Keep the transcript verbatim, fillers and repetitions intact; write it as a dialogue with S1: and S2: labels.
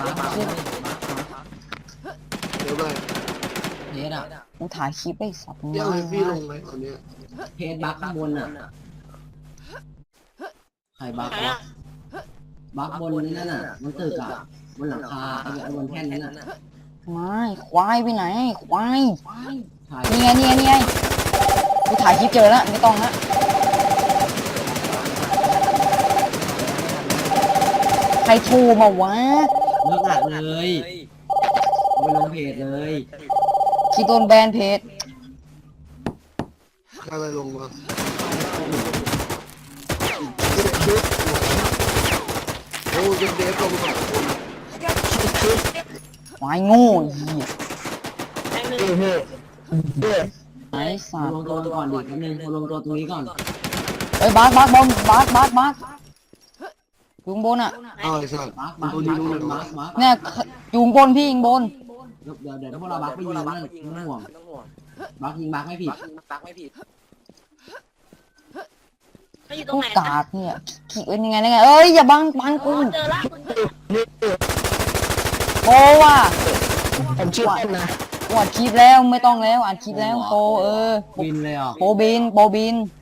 S1: มาร์คมาร์ค
S2: เดี๋ยวไป
S1: เพจอ่ะ
S3: กูถ่ายคลิปไอ้สัตว์
S2: เดี๋ยวให้พี่ลงไหมตอนเนี้ย
S1: เพจบักข้างบนอ่ะใครบักวะบักบนนั่นน่ะมันตึกอ่ะบนหลังคาไอ้บนแท่นนั้นน่ะ
S3: ไม่ควายไปไหนควาย
S1: ใช่
S3: นี่ไงนี่ไงนี่ไงกูถ่ายคลิปเจอแล้วไม่ต้องละใครโทรมาวะ
S1: เลิกอัดเลยเอาไปลงเพจเลย
S3: คลิปโดนแบนเพจ
S2: ใครไปลงมาโอ้เดฟเดฟลงสองคน
S3: ควายโง่เหี้ย
S4: แม่งหนึ่ง
S3: ไอ้สั
S1: มา
S3: ต
S1: รว
S3: ว์
S1: มตัวก่อนดิแป๊บนึงมารวมตัวตรงนี้ก่อน
S3: เอ้ยบาสบาสบอมบาสบาสบาสอยู่ข้างบนอ่ะ
S2: อ้าวไอ้สัตว์
S1: บักบัก
S2: ตัว
S1: บั
S2: นี้
S1: ก
S2: รู้เลย
S1: บั
S2: วะ
S1: กบัก
S3: เนี่ยอยู่ข้างบนพี่ยิงบน
S1: เดี๋ยวเดี๋ยวเดี๋ยวพวกเราบักไปยิงนั่นไม่ต้องห่วงบักยิงบักไม่ผิด
S4: เขาอยู่ตร
S3: กู
S4: งไหน
S3: กากเนี่ยขี่เป็นยังไงยังไงเอ้ยอย่าบังบัง
S4: อ๋อ
S3: กู
S4: เจอละ
S3: โปว่ะ
S2: ผมชื่อเต้นนะ
S3: กูอัดคลิปแล้วไม่ต้องแล้วอัดคลิปแล้วโปเออ
S1: บินเลยอ่ะ
S3: โปบินโปบิน